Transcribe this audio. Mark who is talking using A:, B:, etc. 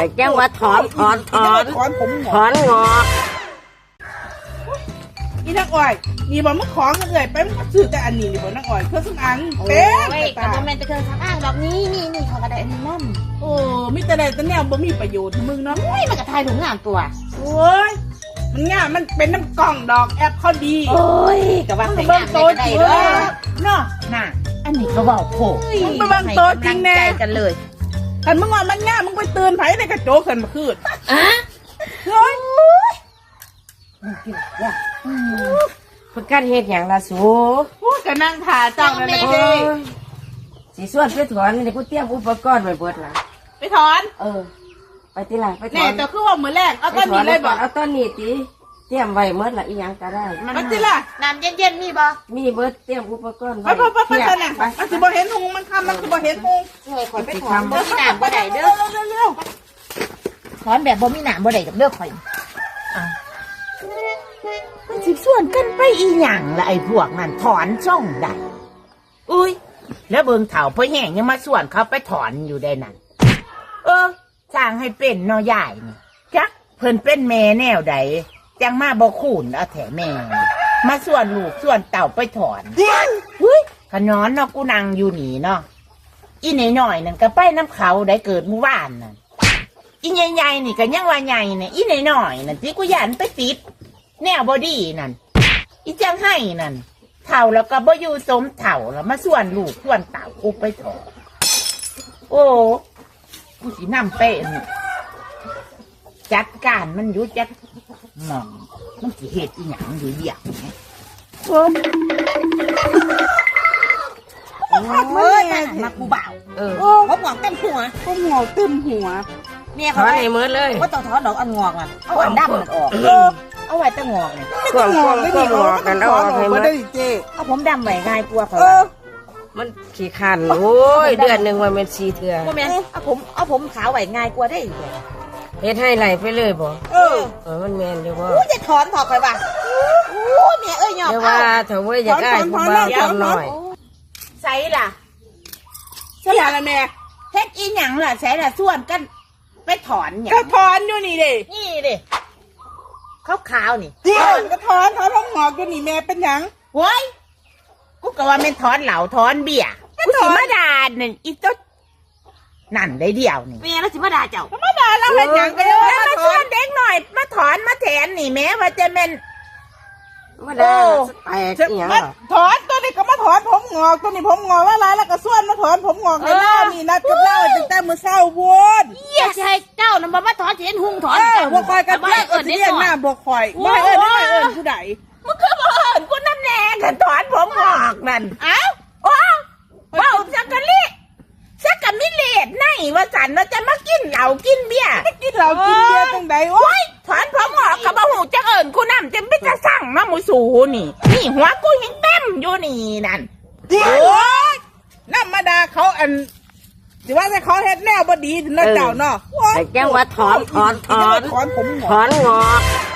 A: แจ้งว่าถอน
B: ผมหง
A: ถอนงอก
B: อีนักอ้อยนี่บอกมึงของกันเลยไปมึงซื้อแต่อันนี้นี่บอกนักอ้อยเครื่องสำอาง
C: โอ้
B: เป๊ะ
C: ยกับโมเมนต์จะเคยสำอางดอกนี้นี่เขาก็ได้อันนี้นั่น
B: โอ้มีแต่ใดแต่แนวบ่มีประโยชน์มึงเนาะ
C: โอ้ยมันก็ทายถุงงามตัว
B: โอ้ยมันง่ายมันเป็นน้ำกล่องดอกแอปเขาดี
C: โอ้ยกับว่าใส่งามได้ก็ได้เด้อ
B: เนาะ
C: น่ะอันนี้ก็บอกโผล่
B: มึงไปเบิ่งตัวจริงแน่
C: ให้กำลัใจกันเลย
B: คันมึงว่ามันง่ายมึงไปเตือนไผในกระโจกขึ้นมาคืน
C: อ่ะ
B: เฮ้ย
A: ประกันเฮ็ดอย่างละสู
B: พูดกับนางถ่าเจ้านั่นแหละ
A: โอ้
B: เจ้
A: ยสีส่วนไปถอนนี่กูเตรียมอุปกรณ์ไว้เบิดละ
B: ไปถอน
A: ไปติล่ะไปถ
B: แน่
A: อน
B: แต่คือว่ามือแรกเอา
A: ไป
B: ต้น
A: ถอ
B: นี้
A: น
B: เลยบอก
A: เอาต้นนี้ติเตรียมไว้เบิดละอีหยังก็ได้
B: มันสิล่ะ
C: น้ำเย็นๆมีบ่
A: มีเบิดเตรียมอุปกรณ์
B: ไปไปไปไปน่ะมันสิบ่เห็นหงมันคำมันสิบ่เห็นหง
C: เฮ้ยข่อยไปถอนบ่มีน้ำบ่ได้เด้อ
B: เร็ว
C: ถอนแบบบ่มีน้ำบ่ได้กับเด้อข่อยมันสิส่วนกันไปอีหยังละไอ้พวกนั้นถอนช่องได้อุ้ยแล้วเบิ่งเฒ่าพ่อแห้งยังมาส่วนเขาไปถอนอยู่ได้นั่นสร้างให้เป็นเนาะยายนี่จักเพิ่นเป็นแม่แนวใดจังมาบ่คูนเอาแถแม่นี่มาส่วนลูกส่วนเต่าไปถอนอุ้ยขนอนเนาะกูนั่งอยู่นี่เนาะอีหน่อยๆนั่นก็ไปน้ำเขาได้เกิดเมื่อวานนั่นอีใหญ่ๆนี่ก็ยังว่าใหญ่เนี่ยอีหน่อยๆนั่นที่กูยันไปติดแนวบอดี้นั่นอีจังให้นั่นเถ่าแล้วก็บ่อยู่สมเถ่าแล้วมาส่วนลูกส่วนเต่ากูไปถอนโอ้กูสินำเป็นจัดการมันอยู่จัดหมองมันสิเหตุอีหยังอยู่เดียวเนี่ยเฮ้ยมากูเบาเขาหงอกเต็มหัว
B: ๆผมหงอกตึมหัว
C: เมีย
A: ถ
C: เขา
A: อน
C: ได้
A: ให้เบิดเลย
C: ว่าต้องถอนดอกอันงอกมันเอาอันดำมันออกเอาไว้แตั้งงอกเนี่ย
A: กวางงอกกันเอาออกให้หมด
B: ได้เจ้
C: เอาผมดำไว้ง่ายกลัวเขา
A: มันขี้คันโอ้ยเดือนหนึงมันเป็น4เทื่อ
C: ว่าแม่เอาผมขาวไว้ง่ายกลัวได้อีก
A: เฮ็ดให้ไหลไปเลยบ่ มันแม่นอยู่บ่
C: อู้จะถอนถอกไปว่ะอู้เมียยอม
A: เดี๋ยว
C: เอา
A: ว่าเถอะเว้ยอยากได้ผู้บ่าวจังหน่อย
C: ใส่ล่ะ
B: ใช่อะไรแม่
C: เฮ็ดอีหยังล่ะใส่ล่ะส่วนกันไปถอนหยัง
B: ก็ถอนอยู่นี่ดิ
C: นี่ดิขาวๆนี่
B: ถอนก็ถอนผมหงอกอยู่นี่แม่เป็นหยัง
C: โว้ยกูก็ว่าแม่นถอนเหล่าถอนเบี้ยกูสิมาด่านี่อีตุ๊ดนั่นได้เดียวนี่แม่แล้วสิมาด่าเจ้า
B: ธรรมดาแล้วเป็นหยังก็ยัง
C: แล้ว
B: มา
C: มา
B: ถ
C: ช
B: อ
C: วน นเด็กหน่อยมาถอนมาแถนนี่แม้ว่าจะเป็น
A: มาได้แปลกอีหยัง
B: มา
A: เหรอ
B: ถอนตัวนี้ก็มาถอนผมหงอกตัวนี้ผมหงอกว่าไรแล้วก็ส่วนมาถอนผมหงอกในหน้านี่นัดกับเล่าตั้งแต่มื้อเช้าพูด
C: อย่าใช่เจ้าน่ะมาถอนเห็นหุงถอน
B: บ่คอยกันเพื่อนก็สิเรียกหน้าบ่คอยบ่เอิ้นไม่เอิ้นผู้ใด
C: มันคือบ่เอิ้นกูน้ำแดงกันถอนผมหอกนั่น
B: เอ้า
C: โอ้เบ้าสักกะลิสักกะมิเลดไนว่าสันว่าจะมากินเหล้ากินเบียร์
B: กินเหล้ากินเบียร์จังใดโอ้ย
C: ถอนผมหอกกับบ่หูจะเอิ้นกูน้ำจะไม่จะสั่งมาหมูสูนี่นี่หัวกูยังเต็มอยู่นี่นั่น
B: โอ้ยน้ำมาดาเขาอันสิว่าแต่เขาเฮ็ดแนวบ่ดีถึงนะเจ้าเนาะ
A: แต่แจ้งว่าถอน
B: ถอนผมหง
A: ถ
B: อก
A: อนงอก
B: ถ